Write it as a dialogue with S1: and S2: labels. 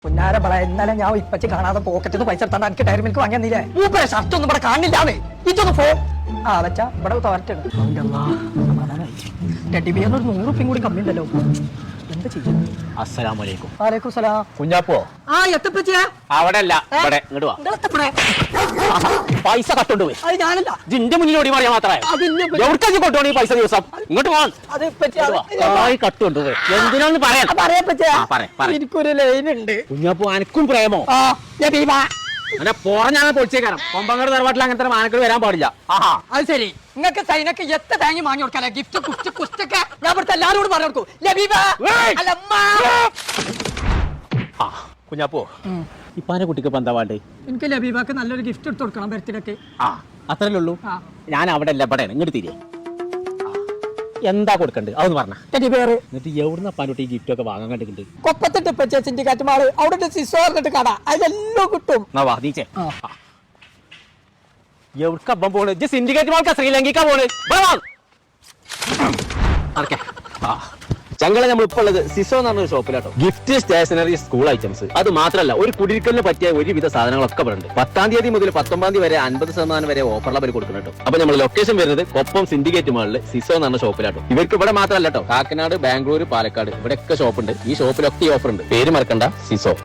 S1: പുന്നാര പറ ഇന്നലെ ഞാൻ ഇപ്പച്ചി കാണാതെ പോക്കറ്റിന്ന് പൈസ എടുത്താണ്ട് എനിക്ക് ഡയറി മിൽക്ക് വാങ്ങിയെന്നില്ലേ മൂപ്പരെ ഷർട്ട് ഒന്നും ഇവിടെ കാണില്ലാന്ന് ഇതൊന്ന് പോ ആ വെച്ചാ ഇവിടെ തോരട്ടുണ്ട് ടെഡിബിയറിനൊരു 100 റുപ്യം കൂടി കമ്മി ഉണ്ടല്ലോ എന്താ ചെയ്യും?
S2: അസ്സലാമലൈക്കും.
S1: വലൈക്കും സലാം.
S2: കുഞ്ഞാപ്പോ
S1: ആ എത്തപ്പച്ചിയാ
S2: അവിടെ അല്ല ഇവിടെ ഇങ്ങോട്ട് വാ. പൈസ കട്ടോണ്ട് പോയി
S1: അത് ഞാനല്ല
S2: ജിന്റെ മുന്നിൽ ഓടി പറയാൻ മാത്രമേ എവിടേക്ക് കൊണ്ടുപോകണം ഈ പൈസ ദിവസം ഇങ്ങോട്ട് പോകാൻ
S1: അത് ഇപ്പച്ചിയാ
S2: കട്ടുകൊണ്ട് പോയി എന്തിനാന്ന് പറയാം
S1: പറയപ്പച്ചിയാ
S2: പറയാം
S1: എനിക്കൊരു ലൈൻ ഉണ്ട്.
S2: കുഞ്ഞാപ്പോ അനക്കും പ്രേമോ
S1: ആ ലബീബ
S2: അങ്ങനെ പോറഞ്ഞാണ് പൊളിച്ചേക്കാരം കൊമ്പങ്ങട് തറവാട്ടിൽ അങ്ങനത്തെ മാനക്കൾ വരാൻ പാടില്ല. ആഹാ
S1: അത് ശരി നിങ്ങൾക്ക് സൈനക്ക് എത്ര തേങ്ങ വാങ്ങി കൊടുക്കാല്ലേ ഗിഫ്റ്റ് കുസ്റ്റ് കുസ്റ്റൊക്കെ ഞാൻ ഇവിടുത്തെ എല്ലാവരോടും പറഞ്ഞു കൊടുക്കും ലബീബ അല്ലമ്മ.
S2: ആ കുഞ്ഞാപ്പോ ഇപ്പാന്റെ കുട്ടിക്ക് ഇപ്പൊ എന്താ വേണ്ടേ?
S1: എനിക്ക് ലബീബക്ക് നല്ലൊരു ഗിഫ്റ്റ് എടുത്ത് കൊടുക്കണം ബർത്ത്ഡേക്ക്.
S2: ആ അത്രല്ലേ ഉള്ളൂ. ഞാൻ അവിടെ അല്ല ഇവിടെ ഇങ്ങോട്ട് തിരികെ എന്താ കൊടുക്കണ്ടേ അതൊന്ന് പറഞ്ഞ എന്നിട്ട് എവിടുന്ന അപ്പാൻ്റെ കുട്ടി ഈ ഗിഫ്റ്റ് ഒക്കെ വാങ്ങാൻ കണ്ടിട്ടുണ്ട്?
S1: കൊപ്പത്തിട്ട് ഇപ്പൊ സിൻഡിക്കേറ്റ് മാള് അവിടെ സിസോ എന്നിട്ട് കട അതിലെല്ലാം കിട്ടും.
S2: എവിടക്ക അപ്പം പോണ്? സിൻഡിക്കേറ്റ് മാൾക്കാ ശ്രീലങ്കയ്ക്കാ പോണ്? ചങ്ങളെ നമ്മൾ ഇപ്പോൾ ഉള്ളത് സിസോ എന്ന് പറഞ്ഞ ഷോപ്പിലാട്ടോ. ഗിഫ്റ്റ്, സ്റ്റേഷനറി, സ്കൂൾ ഐറ്റംസ്, അത് മാത്രമല്ല ഒരു കുടിയിരിക്കലിന് പറ്റിയ ഒരുവിധ സാധനങ്ങളൊക്കെ ഉണ്ട്. 10-ാം തീയതി മുതൽ 19-ാം തീയതി വരെ 50% വരെ ഓഫറിൽ അവർ കൊടുക്കുന്നുണ്ട്. അപ്പൊ നമ്മൾ ലൊക്കേഷൻ വരുന്നത് കൊപ്പം സിൻഡിക്കേറ്റ് മാളിൽ സിസോ എന്ന് പറഞ്ഞ ഷോപ്പിലാട്ടോ. ഇവർക്ക് ഇവിടെ മാത്രമല്ല കേട്ടോ, കാക്കനാട്, ബാംഗ്ലൂർ, പാലക്കാട് ഇവിടെയൊക്കെ ഷോപ്പുണ്ട്. ഈ ഷോപ്പിലൊക്കെ ഈ ഓഫർ ഉണ്ട്. പേര് മറക്കണ്ട, സിസോ.